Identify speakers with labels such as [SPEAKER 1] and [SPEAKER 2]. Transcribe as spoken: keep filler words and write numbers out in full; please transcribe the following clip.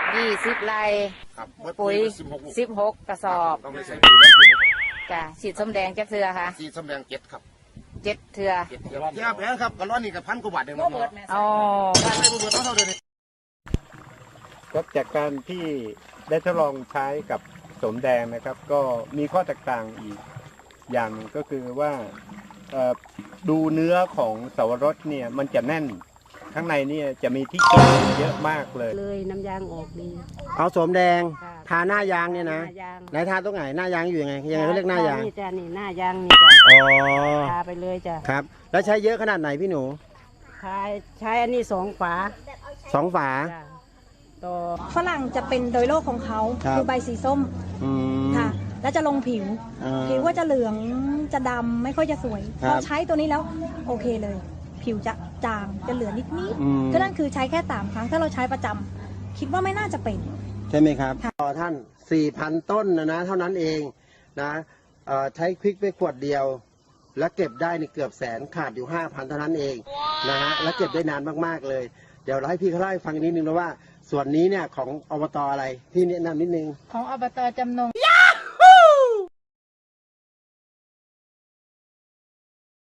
[SPEAKER 1] ยี่สิบไร่ปุ๋ยสิบหกกระสอบจ้ะฉีดส้มแดงจักเทือค่ะ
[SPEAKER 2] ฉีดส้มแดงเจ็ดครับ
[SPEAKER 1] เจ็ดเทือ
[SPEAKER 2] เจ็ดเทือเทียบแล้วครับกระร้อนนี่กับพันกว่าบาทเองครับ
[SPEAKER 1] อ๋อ
[SPEAKER 2] บ้านไม่เบื่อต้องเท่าเดิม
[SPEAKER 3] ครับจากการที่ได้ทดลองใช้กับสมแดงนะครับก็มีข้อแตกต่างอีกอย่างก็คือว่าดูเนื้อของสาวรสเนี่ยมันจะแน่นข้างในเนี่ยจะมีที่เก็บเยอะมากเลย
[SPEAKER 4] เลยน้ำยางออกดี
[SPEAKER 5] เอาสมแดงทาหน้ายางเนี่ยนะไหนทาตรงไหนหน้ายางอยู่ยังไงยังไงเขาเรียกหน้ายาง
[SPEAKER 4] นี่จ้ะนี่หน้ายางนี่จ้ะ
[SPEAKER 5] อ๋อ
[SPEAKER 4] ทาไปเลยจ้ะ
[SPEAKER 5] ครับแล้วใช้เยอะขนาดไหนพี่หนู
[SPEAKER 4] ใช้ใช้อันนี้สองฝา
[SPEAKER 5] สองฝา
[SPEAKER 4] ต่อ
[SPEAKER 6] ฝรั่งจะเป็นโดยโรคของเขาคือใบสีส้มค่ะแล้วจะลงผิวผิวก็จะเหลืองจะดำไม่ค่อยจะสวยพอใช้ตัวนี้แล้วโอเคเลยผิวจะจางจะเหลือนิดนิดก็นั่นคือใช้แค่สามครั้งถ้าเราใช้ประจำคิดว่าไม่น่าจะเป็น
[SPEAKER 5] ใช่ไหมครับต่อท่านสี่พันต้นนะนะเท่านั้นเองนะใช้ควิกไปขวดเดียวแล้วเก็บได้ในเกือบแสนขาดอยู่ห้าพันเท่านั้นเองนะฮะแล้วเก็บได้นานมากๆเลยเดี๋ยวเราให้พี่เขาเล่าให้ฟังนิดนึงนะว่าส่วนนี้เนี่ยของอบตอะไรพี่แนะนำนิดนึง
[SPEAKER 6] ของอบตจำนง